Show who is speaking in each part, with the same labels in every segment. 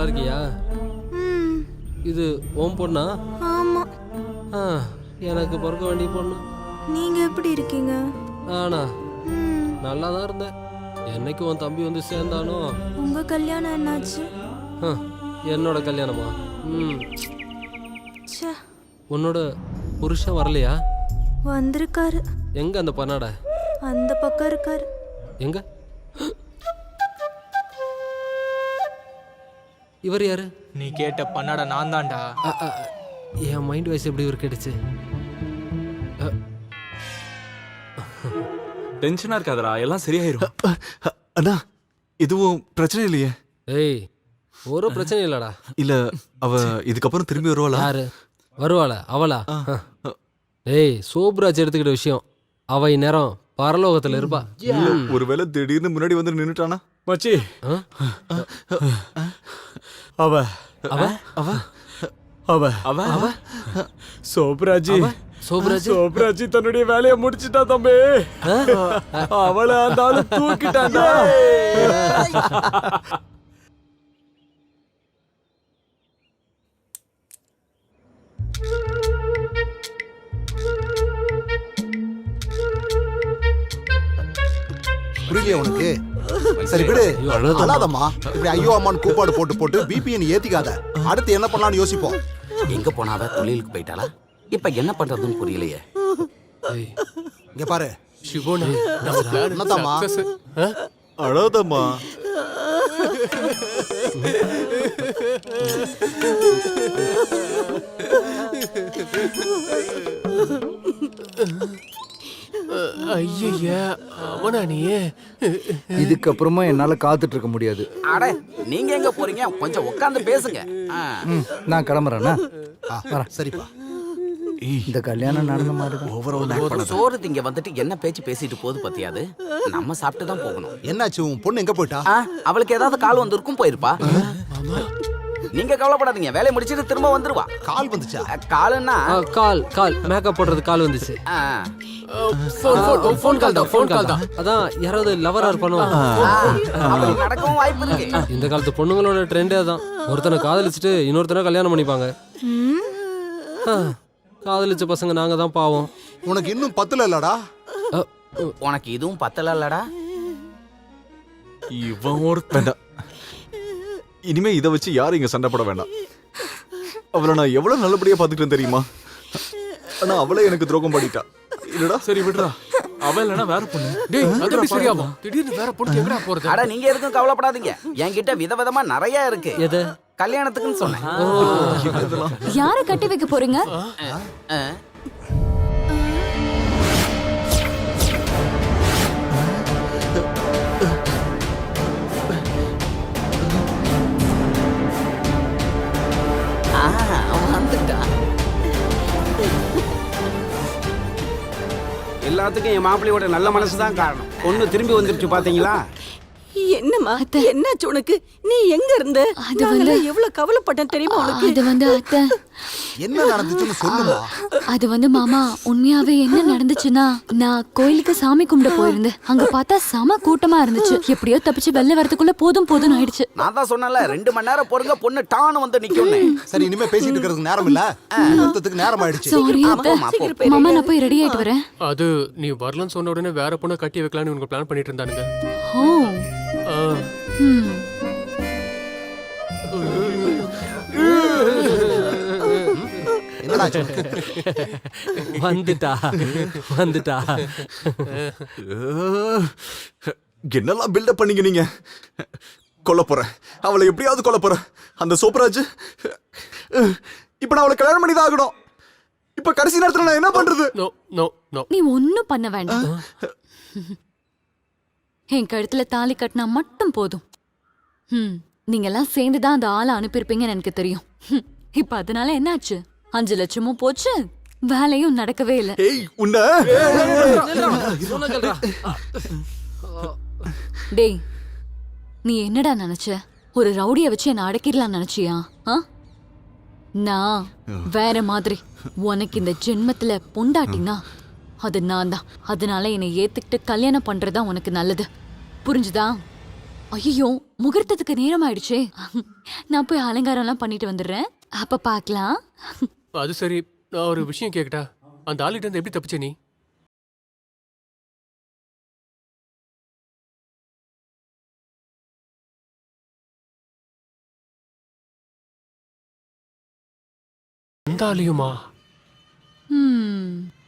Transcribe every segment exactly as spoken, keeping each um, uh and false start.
Speaker 1: நல்லா இருக்கியா? இது உன் பொண்ணா?
Speaker 2: ஆமா.
Speaker 1: ஆ, எனக்கு பிறக்க வேண்டிய பொண்ணு.
Speaker 2: நீங்க எப்படி இருக்கீங்க?
Speaker 1: ஆனா நல்லா தான் இருந்தேன். என்னைக்கு உன் தம்பி வந்து சேர்ந்தானோ.
Speaker 2: உங்க கல்யாணம் என்னாச்சு?
Speaker 1: என்னோட கல்யாணமா? ம்.
Speaker 2: ச்சே.
Speaker 1: உன்னோட புருஷன் வரலையா?
Speaker 2: வந்திருக்காரு.
Speaker 1: எங்க அந்த பண்ணாட?
Speaker 2: அந்த பக்கம் இருக்காரு.
Speaker 1: எங்க? இவர் யாரு?
Speaker 3: நீ கேட்ட பண்ணாட நான் தான்டா.
Speaker 1: என் மைண்ட் வாய்ஸ் எப்படி இவர் கேட்டுச்சு?
Speaker 4: டென்ஷனா இருக்காதடா, எல்லாம் சரியாயிரும்.
Speaker 5: அண்ணா எதுவும் பிரச்சனை இல்லையே?
Speaker 1: ஏய், ஒரு பிரச்சனை இல்லடா.
Speaker 5: இல்ல அவ இதுக்கப்புறம் திரும்பி வருவாளா?
Speaker 1: யாரு வருவாளா? அவளா? ஏய், சோப்ராஜ் எடுத்துக்கிட்ட விஷயம். அவ இந்நேரம் பரலோகத்துல இருப்பா.
Speaker 5: ஒருவேளை திடீர்னு முன்னாடி வந்து நின்னுட்டானா?
Speaker 3: மச்சி, அவ
Speaker 1: அவ
Speaker 5: அவ
Speaker 3: அவ
Speaker 4: அவ அவ
Speaker 3: சோப்ராஜி
Speaker 1: சோப்ராஜ்
Speaker 3: சோப்ராஜி தன்னுடைய வேலையை முடிச்சிட்டா தம்பி. அவளை அந்த ஆளு தூக்கிட்டாண்டா.
Speaker 6: புரியலையா உனக்கு? சரி விடு, அழாதம்மா. இப்படி ஐயோ அம்மான்னு கூப்பாடு போட்டு போட்டு பிபிஎன் ஏத்திக்காத. அடுத்து என்ன பண்ணலாம்னு யோசிப்போம்.
Speaker 7: எங்க போனாவ தொழிலுக்கு போயிட்டாளா? இப்ப என்ன பண்றதுன்னு புரியலையே.
Speaker 6: இங்க பாரு
Speaker 1: சிவோனா,
Speaker 6: என்னதாம்மா?
Speaker 5: அழாதம்மா.
Speaker 1: ஐயா அவனா நீ?
Speaker 8: இதுக்கப்புறமா என்னால காத்துட்டு இருக்க முடியாது.
Speaker 7: அட, நீங்க எங்க போறீங்க? கொஞ்சம் உட்கார்ந்து பேசுங்க.
Speaker 8: நான் கிளம்புறேன்னா
Speaker 6: சரிப்பா.
Speaker 8: இந்த கல்யாணம் நடந்த மாதிரி
Speaker 7: சோறு திங்க வந்துட்டு என்ன பேச்சு பேசிட்டு போது பத்தியாது. நம்ம சாப்பிட்டு தான் போகணும்.
Speaker 6: என்னாச்சு? உன் பொண்ணு எங்க போயிட்டா?
Speaker 7: அவளுக்கு ஏதாவது கால் வந்திருக்கும், போயிருப்பா. நீங்க கவலைப்படாதீங்க, வேலையை முடிச்சிட்டு திரும்ப வந்துருவா.
Speaker 6: கால் வந்துச்சா?
Speaker 7: காலுன்னா
Speaker 1: கால் கால் மேக்கப் போடுறது கால் வந்துச்சு.
Speaker 7: ஃபோன் கால் தான், ஃபோன் கால் தான்.
Speaker 1: அதான் யாராவது லவரா இருப்பானோ.
Speaker 7: நடக்கவும் வாய்ப்பு இருக்கு.
Speaker 1: இந்த காலத்து பொண்ணுங்களோட ட்ரெண்டே தான். ஒருத்தனை காதலிச்சுட்டு இன்னொருத்தனை கல்யாணம் பண்ணிப்பாங்க. காதலிச்ச பசங்க நாங்க தான் பாவம்.
Speaker 6: உனக்கு இன்னும் பத்துல இல்லடா?
Speaker 7: உனக்கு இதுவும் பத்தல இல்லடா?
Speaker 5: இவன் ஒருத்தன். இனிமே இதை வச்சு யாரும் இங்க சண்டை போட வேண்டாம். அவளை நான் எவ்வளவு நல்லபடியா பாத்துக்கிட்டேன் தெரியுமா? ஆனா அவளே எனக்கு துரோகம் பண்ணிட்டா. இல்லடா?
Speaker 4: சரி விடுறா, அவ இல்லனா வேற பொண்ணு.
Speaker 1: டேய், அது எப்படி சரியாகும்? திடீர்னு வேற பொண்ணு எங்கடா போறது?
Speaker 7: அட, நீங்க எதுக்கும் கவலைப்படாதீங்க. என்கிட்ட விதவிதமா நிறைய இருக்கு.
Speaker 1: எது?
Speaker 7: கல்யாணத்துக்குன்னு சொன்னேன்.
Speaker 2: யாரை கட்டி வைக்க போறீங்க?
Speaker 9: எல்லாத்துக்கும் என் மாப்பிள்ளையோட நல்ல மனசு தான் காரணம். பொண்ணு திரும்பி வந்துருச்சு பாத்தீங்களா?
Speaker 2: என்னம்மா என்னாச்சு உனக்கு? நீ எங்க இருந்த? அது வந்து எவ்வளவு கவலைப்பட்டேன் தெரியுமா உனக்கு?
Speaker 10: அது வந்து அத்தை,
Speaker 6: என்ன நடந்துச்சுன்னு சொல்லுமா.
Speaker 10: அது வந்து மாமா, உண்மையாவே என்ன நடந்துச்சுன்னா, நான் கோயிலுக்கு சாமி கும்பிட போயிருந்தேன். அங்க பார்த்தா செம கூட்டமா இருந்துச்சு. எப்படியோ தப்பிச்சு வெளில வரதுக்குள்ள போதும் போதும் ஆயிடுச்சு.
Speaker 7: நான் தான் சொன்னல, ரெண்டு மணி நேரம் பொறுங்க, பொண்ணு டான்னு வந்து நிக்கும்.
Speaker 6: சரி, இனிமே பேசிட்டு இருக்கிறதுக்கு நேரம் இல்ல, முகூர்த்தத்துக்கு நேரம் ஆயிடுச்சு.
Speaker 10: சாரி அத்தை. மாமா, நான் போய் ரெடி ஆயிட்டு வரேன்.
Speaker 1: அது நீ வரலன்னு சொன்ன உடனே வேற பொண்ணை கட்டி வைக்கலாம்னு உங்க பிளான் பண்ணிட்டு இருந்தானுங்க.
Speaker 10: ஓ. ம்.
Speaker 6: என்னடா?
Speaker 1: வந்துட்டா வந்துட்டா.
Speaker 5: என்னெல்லாம் பில்டப் பண்ணீங்க நீங்க? கொல்ல போறேன் அவளை, எப்படியாவது கொல்ல போறேன். அந்த சோப்ராஜ் இப்ப நான் அவளை கல்யாணம் பண்ணி தான் ஆகணும். இப்ப கடைசி நேரத்துல நான் என்ன பண்றது?
Speaker 1: No no no.
Speaker 10: நீ ஒன்னும் பண்ண வேண்டாம். என் கழுத்துல தாலி கட்டினா மட்டும் போதும். ம், நீங்க எல்லாம் சேர்ந்துதான் அந்த ஆளை அனுப்பியிருப்பீங்கன்னு எனக்கு தெரியும். இப்ப அதனால என்னாச்சு? அஞ்சு லட்சமும் போச்சு, வேலையும் நடக்கவே இல்லை. டேய், நீ என்னடா நினைச்ச? ஒரு ரவுடிய வச்சு என்ன அடக்கிடலாம் நினைச்சியா? நான் வேற மாதிரி. உனக்கு இந்த ஜென்மத்துல பொண்டாட்டினா அது நான் தான். அதனால என்னை ஏத்துக்கிட்டு கல்யாணம் பண்றதா உனக்கு நல்லது, புரிஞ்சுதா? ஐயோ, முகூர்த்தத்துக்கு நேரம் ஆயிடுச்சே. நான் போய் அலங்காரம் எல்லாம் பண்ணிட்டு வந்துடுறேன். அப்ப பாக்கலாம்.
Speaker 11: அது சரி, நான் ஒரு விஷயம் கேக்கட்டா? அந்த ஆளுகிட்ட இருந்து எப்படி தப்பிச்ச நீ? அந்த ஆளையுமா?
Speaker 10: ம்.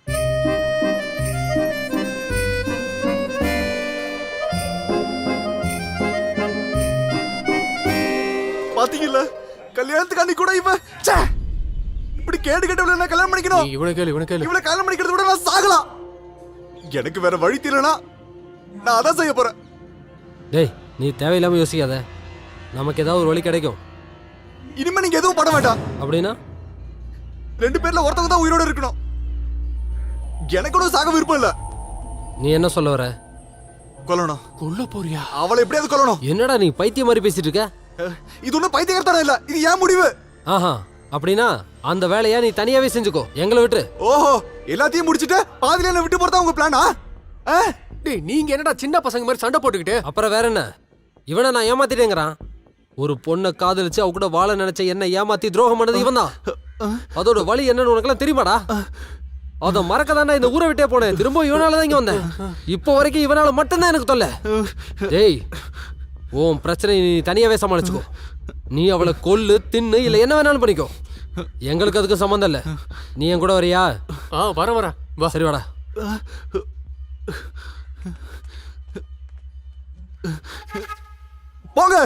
Speaker 5: பாத்தீங்கல்ல, கல்யாணத்துக்கு அன்னைக்கு கூட இவன் ச்சே, இப்படி கேடு கேட்டவள நான் கல்யாணம் பண்ணிக்கணும்.
Speaker 11: நீ இவனை கேளு, இவனை கேளு.
Speaker 5: இவளை கல்யாணம் பண்ணிக்கிறத விட நான் சாகலாம். எனக்கு வேற வழி தெரியலனா நான் அதான் செய்ய போறேன்.
Speaker 1: டேய், நீ தேவையில்லாம யோசிக்காத. நமக்கு ஏதாவது ஒரு வழி கிடைக்கும்.
Speaker 5: இனிமே நீங்க எதுவும் பண்ண வேண்டாம்.
Speaker 1: அப்படின்னா
Speaker 5: ரெண்டு பேர்ல ஒருத்தவங்க தான் உயிரோட இருக்கணும். எனக்கு கூட சாக விருப்பம் இல்ல.
Speaker 1: நீ என்ன சொல்ல வர?
Speaker 5: கொல்லணும்.
Speaker 11: கொல்ல போறியா?
Speaker 5: அவளை எப்படியாவது கொல்லணும்.
Speaker 1: என்னடா நீ பைத்தியம் மாதிரி பேசிட்டு இருக்க?
Speaker 5: இது ஒன்றும் பைத்தியக்காரத்தனம் இல்ல, இது ஏன் முடிவு.
Speaker 1: ஆஹா, அப்படின்னா அந்த வேலையா நீ தனியாவே செஞ்சுக்கோ, எங்களை விட்டு.
Speaker 5: ஓஹோ, எல்லாத்தையும் முடிச்சிட்டு பாதியில என்ன விட்டு போறதா உங்க பிளானா?
Speaker 11: டேய், நீங்க என்னடா சின்ன பசங்க மாதிரி சண்டை போட்டுக்கிட்டு?
Speaker 1: அப்புறம் வேற என்ன? இவனை நான் ஏமாத்திட்டேங்கிறான். ஒரு பொண்ணை காதலிச்சு அவ கூட வாழ நினைச்ச என்ன ஏமாத்தி துரோகம் பண்ணது இவன் தான். அதோட வழி என்னன்னு உனக்கெல்லாம் தெரியுமாடா? அத மறக்க தானே இந்த ஊரை விட்டே போனேன். திரும்ப இவனாலதான் இங்க வந்தேன். இப்போ வரைக்கும் இவனால மட்டும்தான் எனக்கு தொல்லை. டேய், உன் பிரச்சனை நீ தனியாவே சமாளிச்சுக்கோ. நீ அவளை கொல்லு, தின்னு, இல்ல என்ன வேணாலும் பண்ணிக்கோ. எங்களுக்கு அதுக்கு சம்மந்தம் இல்ல. நீ என் கூட வரியா?
Speaker 11: ஆ, வர வர வா.
Speaker 1: சரி, வாடா.
Speaker 5: போங்க.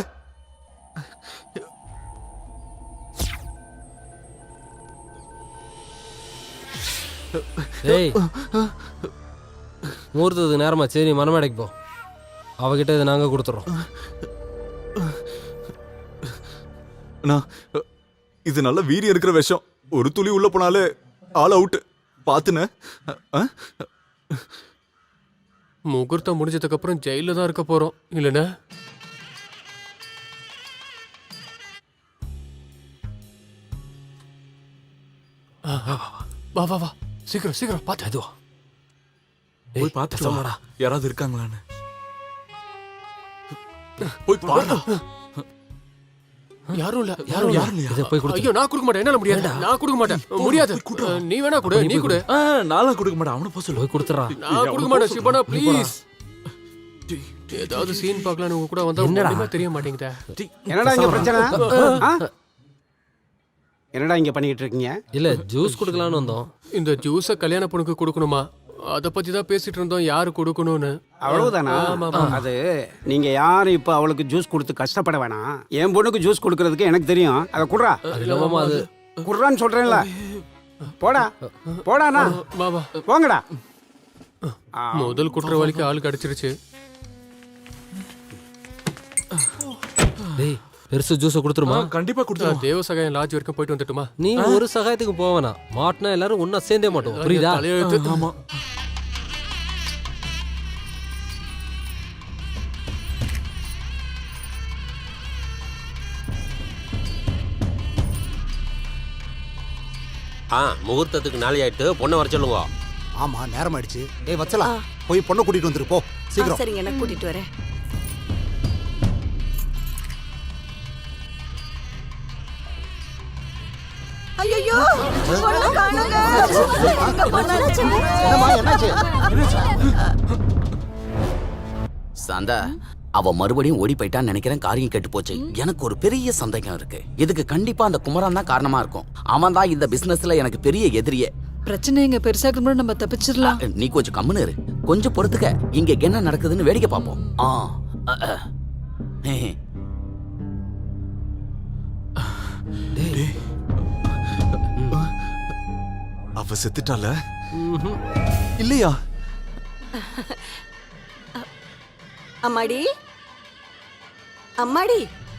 Speaker 1: டேய், முகூர்த்தத்துக்கு நேரமா. சரி, மனமேடைக்கு போ. அவகிட்ட இதை நாங்க கொடுத்துறோம்.
Speaker 5: நான் இது நல்ல வீரியம் இருக்கிற விஷயம். ஒரு துளி உள்ள போனாலே ஆல் அவுட். பாத்துன
Speaker 11: முகூர்த்தம் முடிஞ்சதுக்கு அப்புறம் ஜெயில தான் இருக்க போறோம் இல்லனா? வா வா வா, சீக்கிரம் சீக்கிரம் பாத்து.
Speaker 1: அதுவா?
Speaker 4: போய் பார்த்துட்டு வாடா, யாராவது இருக்காங்களான்னு. போய் பாருடா.
Speaker 11: யாரும் இல்ல, யாரும்
Speaker 4: யாரும் இல்லையா?
Speaker 1: இதை போய் கொடுத்து.
Speaker 11: ஐயோ, நான் கொடுக்க மாட்டேன். என்னால முடியாது. நான் கொடுக்க மாட்டேன். முடியாது. நீ வேணா கொடு, நீ கொடு.
Speaker 4: ஆ, நான்லாம் கொடுக்க மாட்டேன். அவனை போக சொல்லு.
Speaker 1: போய் கொடுத்துறா.
Speaker 11: நான் கொடுக்க மாட்டேன். சிவனா ப்ளீஸ். ஏதாவது சீன் பார்க்கலாம் உங்க கூட வந்தா ஒண்ணுமே தெரிய மாட்டேங்குதே.
Speaker 9: என்னடா இங்க பிரச்சனை? ஆ? என்னடா இங்க பண்ணிட்டு இருக்கீங்க?
Speaker 1: இல்ல, ஜூஸ் குடுக்கலாம்னு வந்தோம்.
Speaker 11: இந்த ஜூஸ கல்யாண பொண்ணுக்கு கொடுக்கணுமா? அத பத்தி தான் பேசிட்டு இருந்தோம், யாரு கொடுக்கணும்னு.
Speaker 9: அவ்வளவுதானா? அது நீங்க யாரும் இப்ப அவளுக்கு ஜூஸ் கொடுத்து கஷ்டப்பட வேணாம். என் பொண்ணுக்கு ஜூஸ் கொடுக்கறதுக்கு எனக்கு தெரியும். அத குடுறா.
Speaker 1: இல்லமாமா, அது
Speaker 9: குடுறான்னு சொல்றேன்ல. போடா போடாண்ணா,
Speaker 11: வா வா
Speaker 9: போங்கடா.
Speaker 11: முதல் குற்றவாளிக்கு ஆள் கிடைச்சிருச்சு.
Speaker 1: டேய், பெருசு ஜூஸ கொடுத்துருமா?
Speaker 4: கண்டிப்பா கொடுத்துருவோம்.
Speaker 11: தேவ சகாயம் லாட்ஜ் வரைக்கும் போயிட்டு வந்துட்டுமா?
Speaker 1: நீ ஒரு சகாயத்துக்கு போவனா? மாட்டினா எல்லாரும் ஒன்னா சேர்ந்தே மாட்டோம், புரியுதா?
Speaker 11: தலையெழுத்து.
Speaker 4: ஆமா.
Speaker 12: ஆ, முகூர்த்தத்துக்கு நாளை ஆயிட்டு பொண்ணை வர சொல்லுங்க.
Speaker 6: ஆமா, நேரம் ஆயிடுச்சு. ஏய் வச்சலா, போய் பொண்ணை கூட்டிட்டு வந்துரு போ சீக்கிரம்.
Speaker 2: சரிங்க, நான் கூட்டிட்டு வரேன். ஐயோ, பொண்ணு காணுங்க. எங்க போனாச்சு?
Speaker 6: என்னம்மா, என்னாச்சு?
Speaker 7: சாந்தா, அவ மறுபடியும் ஓடி போயிட்டான்னு நினைக்கிறேன். காரியம் கெட்டு போச்சு. எனக்கு ஒரு பெரிய சந்தேகம் இருக்கு. இதுக்கு கண்டிப்பா அந்த குமரன் தான் காரணமா இருக்கும். அவன் தான் இந்த பிசினஸ்ல எனக்கு பெரிய எதிரியே.
Speaker 2: பிரச்சனை எங்க பெருசாக்கு முன்னாடி நம்ம தப்பிச்சிடலாம்.
Speaker 7: நீ கொஞ்சம் கம்முன்னு இரு. கொஞ்சம் பொறுத்துக்க. இங்க என்ன நடக்குதுன்னு வேடிக்கை பார்ப்போம். ஆ, அ, அ. ஹே.
Speaker 5: அவ செத்துட்டால இல்லையா?
Speaker 2: அம்மாடி, அம்மாடி,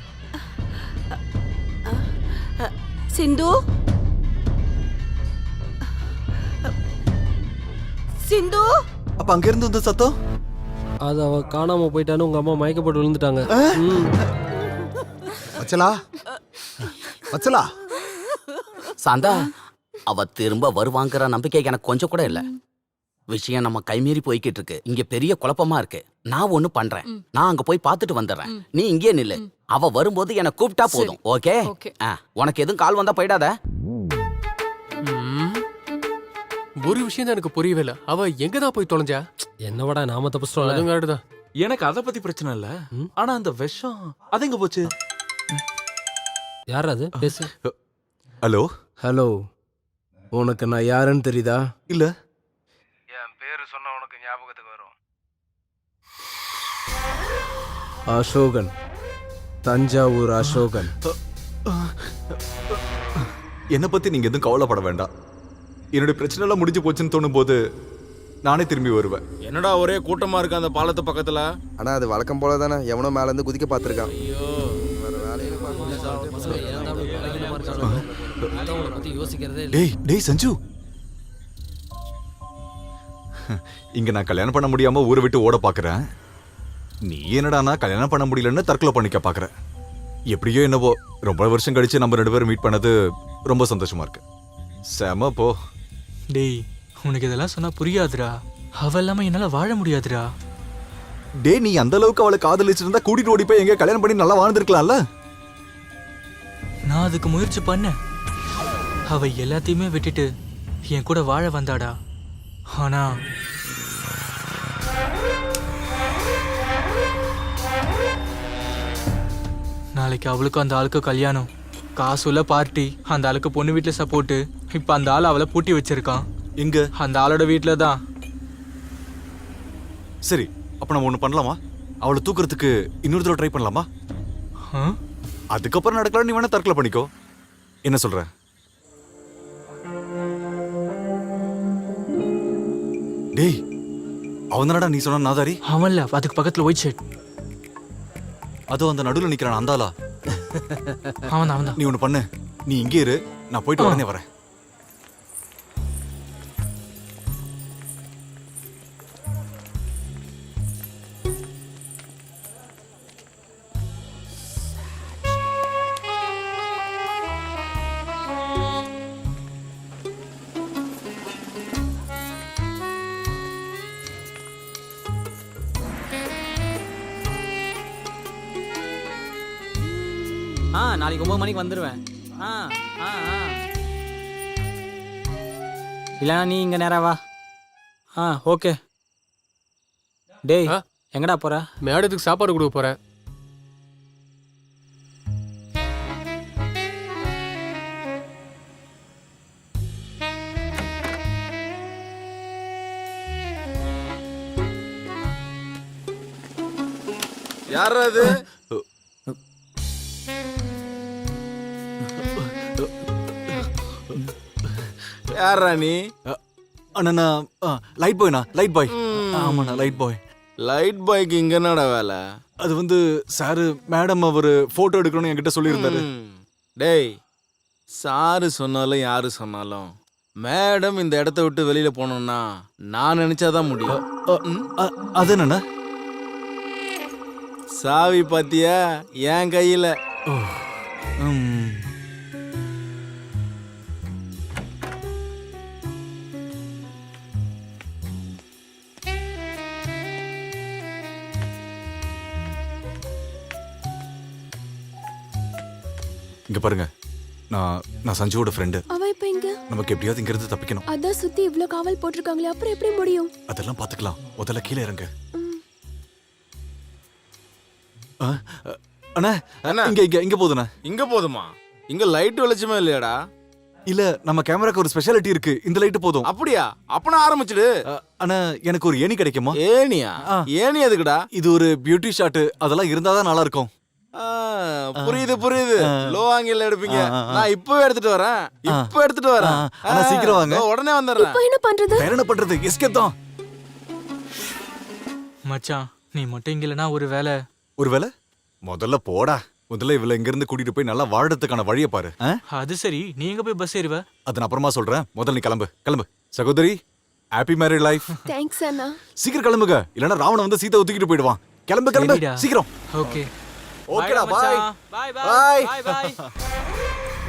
Speaker 2: சிந்து, சிந்து.
Speaker 5: அப்ப அங்க இருந்து வந்த சத்தம்?
Speaker 1: அது அவ காணாம போயிட்டான்னு உங்க அம்மா மயக்கப்பட்டு விழுந்துட்டாங்க.
Speaker 6: வச்சலா, வச்சலா.
Speaker 7: சாந்தா, அவ திரும்ப வருவாங்கிற நம்பிக்கை எனக்கு கொஞ்சம் கூட இல்ல. விஷயம் நம்ம கைமீறி போய்கிட்டு இருக்கு. இங்க பெரிய குழப்பமா இருக்கு. நான் ஒண்ணு பண்றேன். நான் அங்க போய் பார்த்துட்டு வந்துடுறேன். நீ இங்கே நில்லு. அவ வரும்போது என்ன கூப்பிட்டா போதும். ஓகே? உனக்கு எதுவும் கால் வந்தா போயிடாத.
Speaker 11: ஒரு விஷயம் தான் எனக்கு புரியவே இல்ல. அவ எங்க தான் போய் தொலைஞ்சா?
Speaker 1: என்னவடா நாம தப்பிச்சிட்டோம்.
Speaker 11: அதுவும் கரெக்ட் தான்.
Speaker 4: எனக்கு அத பத்தி பிரச்சனை இல்ல. ஆனா அந்த விஷம் அது எங்க போச்சு?
Speaker 1: யார் அது? பேசு.
Speaker 5: ஹலோ
Speaker 3: ஹலோ, உனக்கு நான் யாருன்னு தெரியுதா?
Speaker 5: இல்ல.
Speaker 8: என் பேரு சொன்னா உனக்கு ஞாபகத்துக்கு வரும்.
Speaker 3: அசோகன், தஞ்சாவூர் அசோகன்.
Speaker 5: என்னை பத்தி நீங்க எதுவும் கவலைப்பட வேண்டாம். என்னுடைய பிரச்சனை எல்லாம் முடிஞ்சு போச்சுன்னு தோணும் போது நானே திரும்பி வருவேன்.
Speaker 3: என்னடா ஒரே கூட்டமா இருக்கு அந்த பாலத்து பக்கத்துல?
Speaker 8: ஆனா அது வழக்கம் போல தானே, எவனோ மேல இருந்து குதிக்க பாத்துருக்கான்.
Speaker 5: டேய் டேய் சஞ்சு, இங்க நான் கல்யாணம் பண்ண முடியாம ஊரை விட்டு ஓட பாக்குறேன். நீ என்னடானா கல்யாணம் பண்ண முடியலன்னு தற்கொலை பண்ணிக்க பாக்குற. எப்படியோ என்னவோ ரொம்ப வருஷம் கழிச்சு நம்ம ரெண்டு பேரும் மீட் பண்ணது ரொம்ப சந்தோஷமா இருக்கு. செம போ.
Speaker 13: டேய், உனக்கு இதெல்லாம் சொன்னா புரியாதுடா. அவ இல்லாம என்னால வாழ முடியாதுடா.
Speaker 5: டே, நீ அந்த அளவுக்கு அவளை காதலிச்சிருந்தா கூட்டிட்டு ஓடி போய் எங்க கல்யாணம் பண்ணி நல்லா வாழ்ந்துருக்கலாம்ல.
Speaker 13: நான் அதுக்கு முயற்சி பண்ணேன். அவ எல்லாத்தையுமே விட்டுட்டு என் கூட வாழ வந்தாடா. ஆனா நாளைக்கு அவளுக்கும் அந்த ஆளுக்கு கல்யாணம், காசுல பார்ட்டி, அந்த ஆளுக்கு பொண்ணு வீட்டுல சப்போர்ட். இப்ப அந்த ஆள் அவளை பூட்டி வச்சிருக்கான்.
Speaker 5: எங்க?
Speaker 13: அந்த ஆளோட வீட்டுல தான்.
Speaker 5: சரி, அப்ப நம்ம ஒண்ணு பண்ணலாமா? அவளை தூக்குறதுக்கு இன்னொரு தடவை ட்ரை பண்ணலாமா? அதுக்கப்புறம் நடக்கலாம். நீ வேணா தற்கொலை பண்ணிக்கோ. என்ன சொல்ற? டேய், அவன் தானடா நீ சொன்ன நாதாரி?
Speaker 13: அவன்ல அதுக்கு பக்கத்துல ஒயிட் ஷர்ட்.
Speaker 5: அதோ அந்த நடுவில் நிக்கிறான் அந்தாளா?
Speaker 13: அவன் அவன்.
Speaker 5: நீ ஒண்ணு பண்ணு, நீ இங்கே இரு, நான் போயிட்டு உடனே வரேன்.
Speaker 14: ஆ நாளைக்கு ஒன்பது மணிக்கு வந்துடுவேன். ஆ ஆ ஆ இல்லைனா நீ இங்கே நேரா வா. ஆ ஓகே. டேய், எங்கடா போற?
Speaker 11: மேடத்துக்கு சாப்பாடு கொடுக்க போறேன்.
Speaker 3: யார் அது? யாரா நீ?
Speaker 5: அண்ணா, லைட் பாய்ண்ணா, லைட் பாய். ஆமாண்ணா, லைட் பாய்.
Speaker 3: லைட் பாய்க்கு இங்க என்னடா வேலை?
Speaker 5: அது வந்து சாரு மேடம் அவரு போட்டோ எடுக்கணும்னு என்கிட்ட சொல்லியிருந்தாரு.
Speaker 3: டேய், சாரு சொன்னாலும் யாரு சொன்னாலும் மேடம் இந்த இடத்த விட்டு வெளியில போனோம்னா நான் நினைச்சாதான் முடியும்.
Speaker 5: அது என்னண்ணா?
Speaker 3: சாவி பாத்தியா? என் கையில.
Speaker 5: இங்க பாருங்க, நான் நான் சஞ்சுவோட ஃப்ரெண்டு.
Speaker 15: அவ இப்ப எங்க?
Speaker 5: நமக்கு எப்படியாவது இங்க இருந்து தப்பிக்கணும்.
Speaker 15: அதான் சுத்தி இவ்ளோ காவல் போட்டிருக்காங்களே, அப்புறம் எப்படி முடியும்?
Speaker 5: அதெல்லாம் பாத்துக்கலாம். முதல்ல கீழே இறங்க. அண்ணா, இங்க இங்க இங்க போதுண்ணா.
Speaker 3: இங்க போதுமா? இங்க லைட் வெளிச்சமே இல்லையாடா?
Speaker 5: இல்ல, நம்ம கேமராக்கு ஒரு ஸ்பெஷாலிட்டி இருக்கு. இந்த லைட் போதும்.
Speaker 3: அப்படியா? அப்பனா ஆரம்பிச்சிடு.
Speaker 5: அண்ணா, எனக்கு ஒரு ஏணி கிடைக்குமா?
Speaker 3: ஏணியா? ஏணி எதுக்குடா?
Speaker 5: இது ஒரு பியூட்டி ஷாட், அதெல்லாம் இருந்தாதான் நல்லா இருக்கும்.
Speaker 3: புரியுது புரியுது. லோ ஆங்கிள் எடுப்பீங்க. நான் இப்போ எடுத்துட்டு வரேன். இப்போ எடுத்துட்டு வரேன்.
Speaker 5: ஆனா சீக்கிரம் வாங்க.
Speaker 3: உடனே வந்துடுறேன்.
Speaker 15: இப்போ என்ன பண்றது?
Speaker 5: வேற என்ன பண்றது? எஸ்கேப் தான்.
Speaker 13: மச்சான், நீ மட்டும் இங்க இல்லனா ஒரு வேலை.
Speaker 5: ஒரு வேலை? முதல்ல போடா. முதல்ல இவள இங்க இருந்து கூட்டிட்டு போய் நல்லா வாழறதுக்கான வழியை பாரு.
Speaker 13: அது சரி, நீ எங்க போய் பஸ் ஏறுவ?
Speaker 5: அத நான் அப்புறமா சொல்றேன். முதல்ல நீ கிளம்பு. கிளம்பு சகோதரி. Happy married life.
Speaker 15: தேங்க்ஸ் அண்ணா.
Speaker 5: சீக்கிரம் கிளம்புங்க, இல்லனா ராவணன் வந்து சீதா தூக்கிட்டு போயிடுவான். கிளம்பு கிளம்பு சீக்கிரம்.
Speaker 13: ஓகே.
Speaker 5: ஓகேடா, bye.
Speaker 13: Bye bye bye bye.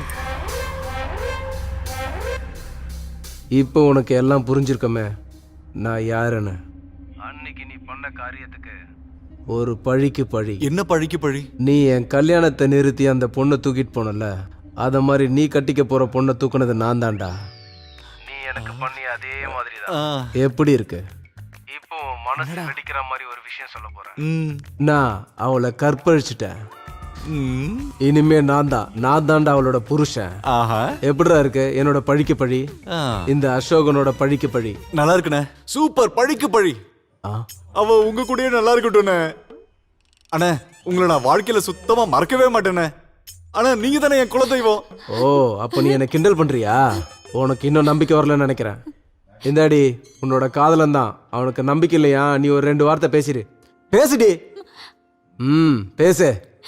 Speaker 3: இப்போ உனக்கு எல்லாம் புரிஞ்சிருக்கமே.
Speaker 1: நான் யாருன்னு.
Speaker 3: அன்னைக்கு நீ பண்ண காரியத்துக்கு
Speaker 1: ஒரு பழிக்கு பழி.
Speaker 5: என்ன பழிக்கு பழி?
Speaker 1: நீ என் கல்யாணத்தை நிறுத்தி அந்த பொண்ணை தூக்கிட்டு போனல, அத மாதிரி நீ கட்டிக்க போற பொண்ணை தூக்குனது நான் தான்டா.
Speaker 3: நீ எனக்கு பண்ணி அதே மாதிரி தான்.
Speaker 1: எப்படி இருக்கு?
Speaker 3: இப்போ மனசு வெடிக்கிற மாதிரி ஒரு விஷயம் சொல்ல போறேன்.
Speaker 1: நான் அவளை கற்பழிச்சிட்டேன். இனிமே நான் தான் நான் தான்டா அவளோட புருஷன். எப்படிடா இருக்கு என்னோட பழிக்கு பழி? இந்த அசோகனோட பழிக்கு பழி
Speaker 5: நல்லா இருக்குண்ணே. சூப்பர் பழிக்கு பழி. அவ உங்க கூடயே நல்லா இருக்கட்டும்ண்ணே. அண்ணே உங்களை நான் வாழ்க்கையில சுத்தமா மறக்கவே மாட்டேண்ணே. ஆனா நீங்க தானே என் குலதெய்வம்.
Speaker 1: ஓ அப்ப நீ என்ன கிண்டல் பண்றியா? உனக்கு இன்னும் நம்பிக்கை வரலன்னு நினைக்கிறேன். இந்தாடி உன்னோட காதலன் தான். அவனுக்கு நம்பிக்கை இல்லையா? நீ ஒரு ரெண்டு வார்த்தை பேசிடு. பேசுடி. ம் பேசு.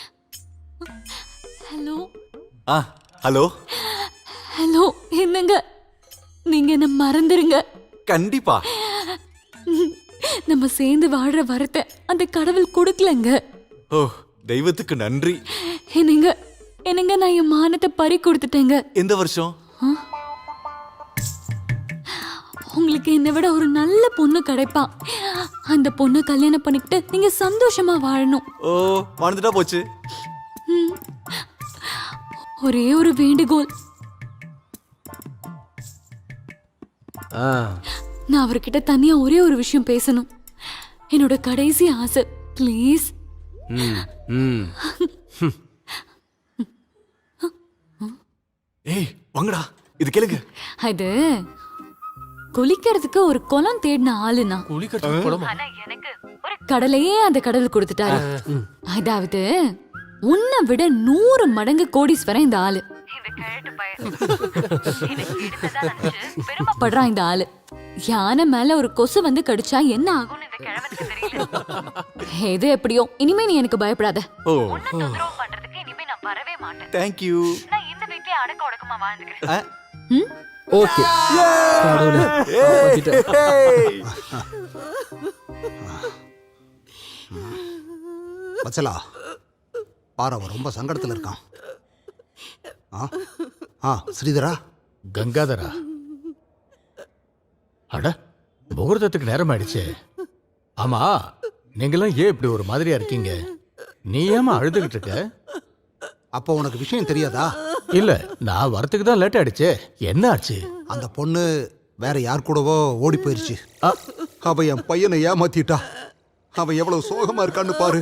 Speaker 10: ஹலோ
Speaker 5: ஆ ஹலோ
Speaker 10: ஹலோ என்னங்க, நீங்க என்ன மறந்துருங்க.
Speaker 5: கண்டிப்பா.
Speaker 10: நம்ம சேர்ந்து வாழ்ற வரத்தை அந்த கடவுள் கொடுக்கலங்க.
Speaker 5: ஓ தெய்வத்துக்கு நன்றி.
Speaker 10: என்னங்க என்னங்க நான் என் மானத்தை பறி கொடுத்துட்டேங்க.
Speaker 5: எந்த வருஷம்?
Speaker 10: உங்களுக்கு என்னை விட ஒரு நல்ல பொண்ணு கிடைப்பா. அந்த பொண்ணு கல்யாணம் பண்ணிக்கிட்டு நீங்க சந்தோஷமா வாழணும்.
Speaker 5: ஓ வாழ்ந்துட்டா போச்சு.
Speaker 10: ஒரே ஒரு வேண்டுகோள். நான் அவர்கிட்ட தனியா ஒரே ஒரு விஷயம் பேசணும். என்னோட கடைசி ஆசை ப்ளீஸ்.
Speaker 5: ஏய் வாங்கடா இது கேளுங்க.
Speaker 10: அது குளிக்கிறதுக்கு ஒரு குளம் தேடின ஆளுனா.
Speaker 11: குளிக்கிறதுக்கு குளமா?
Speaker 10: ஆனா எனக்கு ஒரு கடலையே அந்த கடவுள் கொடுத்துட்டாரு. அதாவது உன்னை விட நூறு மடங்கு கோடீஸ்வரன் இந்த ஆளு. பெருமைப்படுறான் இந்த ஆளு. யானை மேல ஒரு கொசு வந்து கடிச்சா என்ன ஆகும்னு இந்த கிழவனுக்கு தெரியல. எது எப்படியோ இனிமே நீ எனக்கு பயப்படாத.
Speaker 5: ஓ
Speaker 10: பண்றதுக்கு இனிமே நான் வரவே மாட்டேன்.
Speaker 5: Thank you.
Speaker 10: நான் இந்த வீட்லயே அடக்க ஒடுக்கமா வாழ்ந்துக்கிறேன்.
Speaker 1: ஓகே.
Speaker 6: வச்சலா பாரு அவன் ரொம்ப சங்கடத்தில் இருக்கான். ஆ ஆ ஸ்ரீதரா.
Speaker 16: கங்காதரா, அட முகூர்த்தத்துக்கு நேரம் ஆயிடுச்சு. ஆமா நீங்களாம் ஏன் இப்படி ஒரு மாதிரியா இருக்கீங்க? நீ ஏமா அழுதுகிட்டு இருக்க?
Speaker 6: அப்போ உனக்கு விஷயம் தெரியாதா?
Speaker 16: இல்ல நான் வரத்துக்கு தான் லேட் ஆயிடுச்சு. என்ன ஆச்சு?
Speaker 6: அந்த பொண்ணு வேற யார் கூடவோ ஓடி போயிருச்சு. அவ என் பையனை ஏமாத்திட்டா. அவன் எவ்வளவு சோகமா இருக்கான்னு பாரு.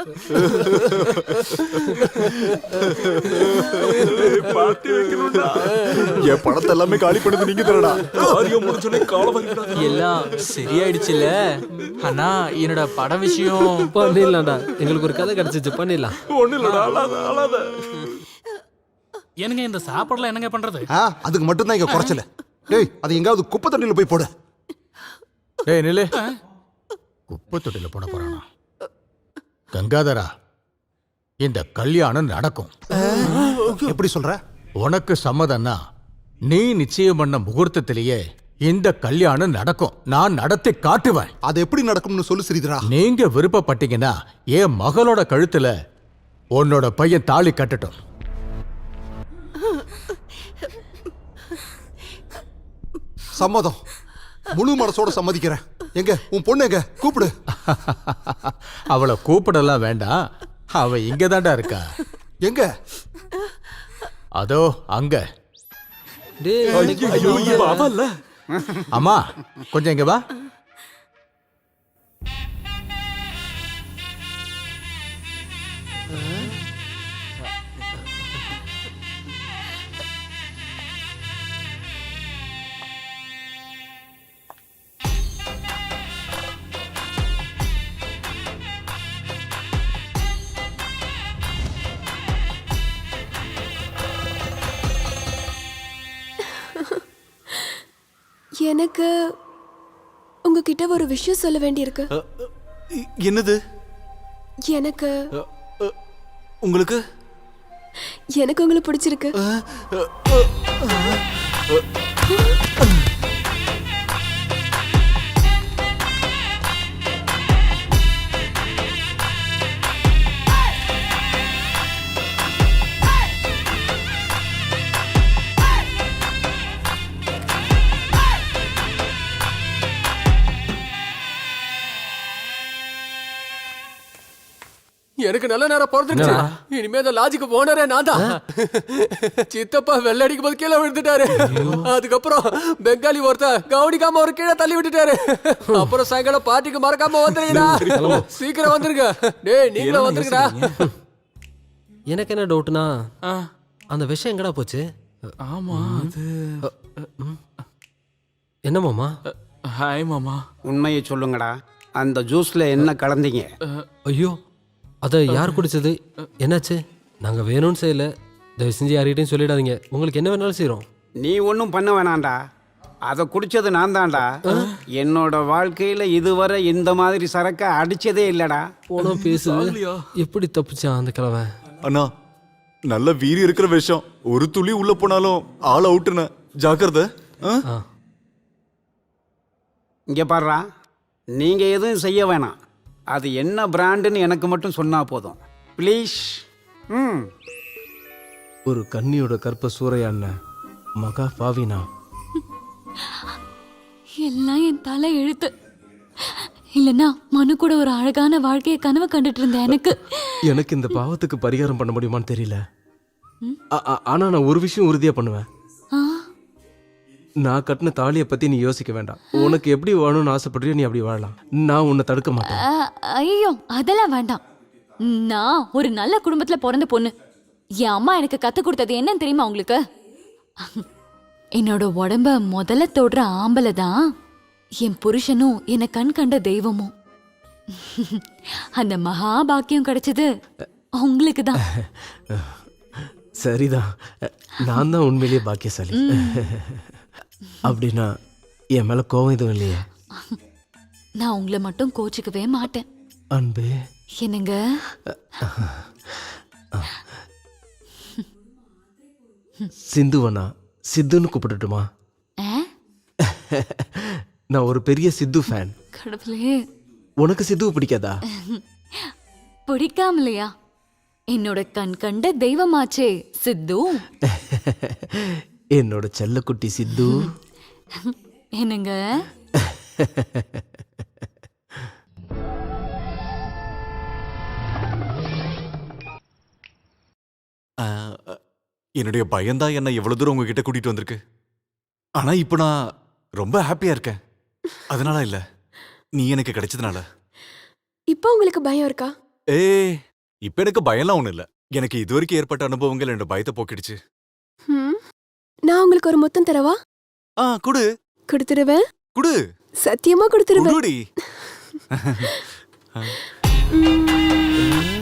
Speaker 5: என் பணத்தை எல்லாமே காலி பண்ணது நீங்க தரடா. காரியம் முடிஞ்சோடனே காலம்
Speaker 13: எல்லாம் சரியாயிடுச்சுல. ஆனா என்னோட பட விஷயம்
Speaker 1: பண்ணிடலாம்டா. எங்களுக்கு ஒரு கதை கிடைச்சிச்சு, பண்ணிடலாம்.
Speaker 5: ஒண்ணு இல்லடா. அழாத அழாத.
Speaker 11: என்னங்க இந்த சாப்பாடுலாம் என்னங்க பண்றது?
Speaker 6: அதுக்கு மட்டும்தான் இங்க குறைச்சல. டேய் அது எங்காவது குப்பை தண்ணியில போய் போடு.
Speaker 16: டேய் நில்லு. குப்பை தொட்டில போட போறானா? கங்காதரா, இந்த கல்யாணம் நடக்கும்.
Speaker 6: எப்படி சொல்ற?
Speaker 16: உனக்கு சம்மதம்னா நீ நிச்சயம் பண்ண முகூர்த்தத்திலேயே இந்த கல்யாணம் நடக்கும். நான் நடத்தி காட்டுவேன்.
Speaker 6: அது எப்படி நடக்கும்னு சொல்லு ஸ்ரீதரா.
Speaker 16: நீங்க விருப்பப்பட்டீங்கன்னா என் மகளோட கழுத்துல உன்னோட பையன் தாலி கட்டட்டும்.
Speaker 6: சம்மதம். முழு மனசோட சம்மதிக்கிறேன். எங்க உன் பொண்ணு எங்க? கூப்பிடு.
Speaker 16: அவளை கூப்பிடலாம் வேண்டாம். அவ இங்க தாண்டா இருக்கா.
Speaker 6: எங்க?
Speaker 16: அதோ அங்க. அம்மா கொஞ்சம் இங்க வா.
Speaker 15: எனக்கு உங்ககிட்ட ஒரு விஷயம் சொல்ல வேண்டியிருக்கு.
Speaker 5: என்னது?
Speaker 15: எனக்கு
Speaker 5: உங்களுக்கு
Speaker 15: எனக்கு உங்களை பிடிச்சிருக்கு.
Speaker 11: எனக்கு நல்ல நேரம் பிறந்துருச்சு. இனிமே அந்த லாஜிக்கு போனரே நான் தான். சித்தப்பா வெள்ள அடிக்கும் போது கீழே விழுந்துட்டாரு. அதுக்கப்புறம் பெங்காலி ஒருத்த கவனிக்காம ஒரு கீழே தள்ளி விட்டுட்டாரு. அப்புறம் சாயங்காலம் பார்ட்டிக்கு மறக்காம வந்துருங்கடா. சீக்கிரம் வந்துருங்க. டேய் நீங்களும் வந்துருங்கடா.
Speaker 1: எனக்கு என்ன டவுட்னா அந்த விஷயம் எங்கடா போச்சு?
Speaker 3: ஆமா அது
Speaker 1: என்ன மாமா?
Speaker 3: ஹாய் மாமா.
Speaker 9: உண்மையை சொல்லுங்கடா, அந்த ஜூஸ்ல என்ன கலந்தீங்க?
Speaker 1: ஐயோ, அதை யார் குடிச்சது? என்னாச்சு? நாங்க வேணும்னு செய்யல. தயவு செஞ்சு யார்கிட்டையும் சொல்லிடாதீங்க. உங்களுக்கு என்ன வேணாலும் செய்யறோம்.
Speaker 9: நீ ஒன்றும் பண்ண வேணாண்டா, அதை குடிச்சது நான் தான்டா. என்னோட வாழ்க்கையில இதுவரை இந்த மாதிரி சரக்க அடிச்சதே இல்லடா.
Speaker 1: போனோ பேசு. எப்படி தப்பிச்சான் அந்த கிழவன்?
Speaker 5: அண்ணா, நல்ல வீரி இருக்கிற விஷயம். ஒரு துளி உள்ள போனாலும் ஆள் அவுட்டுன. ஜாக்கிரதை.
Speaker 9: இங்க பாருடா, நீங்க எதுவும் செய்ய வேணாம். அது என்ன பிராண்டுன்னு எனக்கு மட்டும் சொன்னா போதும் ப்ளீஸ். ம்
Speaker 1: ஒரு கன்னியோட கற்ப சூறையாண்ண மகா பாவினா.
Speaker 10: எல்லாம் என் தலை எழுத்து. இல்லைன்னா மனு கூட ஒரு அழகான வாழ்க்கையை கனவு கண்டுட்டு இருந்தேன். எனக்கு
Speaker 1: எனக்கு இந்த பாவத்துக்கு பரிகாரம் பண்ண முடியுமான்னு தெரியல. ஆனா நான் ஒரு விஷயம் உறுதியா பண்ணுவேன். நான் கட்டின தாலியை பத்தி நீ யோசிக்க வேண்டாம். உனக்கு எப்படி வாழணும்னு ஆசைப்படுறியோ நீ அப்படி வாழலாம். நான் உன்னை தடுக்க மாட்டேன்.
Speaker 10: ஐயோ அதெல்லாம் வேண்டாம். நான் ஒரு நல்ல குடும்பத்துல பிறந்த பொண்ணு. என் அம்மா எனக்கு கத்து கொடுத்தது என்னன்னு தெரியுமா உங்களுக்கு? என்னோட உடம்ப முதல்ல தொடுற ஆம்பளை தான் என் புருஷனும் என்னை கண் கண்ட தெய்வமும். அந்த மகாபாக்கியம் கிடைச்சது உங்களுக்கு தான்.
Speaker 1: சரிதான், நான் தான் உண்மையிலேயே பாக்கியசாலி. அப்படின்னா என் மேல கோவம் எதுவும் இல்லையா?
Speaker 10: நான் உங்களை மட்டும் கோச்சிக்கவே மாட்டேன்.
Speaker 1: அன்பே
Speaker 10: என்னங்க?
Speaker 1: சிந்துவனா சித்துன்னு கூப்பிட்டுட்டுமா? நான் ஒரு பெரிய சித்து ஃபேன்.
Speaker 10: கடவுளே,
Speaker 1: உனக்கு சித்துவை பிடிக்காதா?
Speaker 10: பிடிக்காமலையா? என்னோட கண் கண்ட தெய்வமாச்சே சித்து.
Speaker 1: என்னோட செல்லக்குட்டி சித்து.
Speaker 10: என்னங்க?
Speaker 5: என்னுடைய பயம்தான் என்ன எவ்வளவு தூரம் உங்ககிட்ட கூட்டிட்டு வந்திருக்கு. ஆனா இப்ப நான் ரொம்ப ஹாப்பியா இருக்கேன். அதனால இல்ல, நீ எனக்கு கிடைச்சதுனால.
Speaker 15: இப்போ உங்களுக்கு பயம் இருக்கா?
Speaker 5: ஏ, இப்ப எனக்கு பயம்லாம் ஒண்ணு இல்ல. எனக்கு இதுவரைக்கும் ஏற்பட்ட அனுபவங்கள் என்னோட பயத்தை போக்கிடுச்சு.
Speaker 15: நான் உங்களுக்கு ஒரு முத்தம் தரவா?
Speaker 5: ஆ குடு.
Speaker 15: கொடுத்துருவேன்.
Speaker 5: குடு.
Speaker 15: சத்தியமா கொடுத்துருவேன்.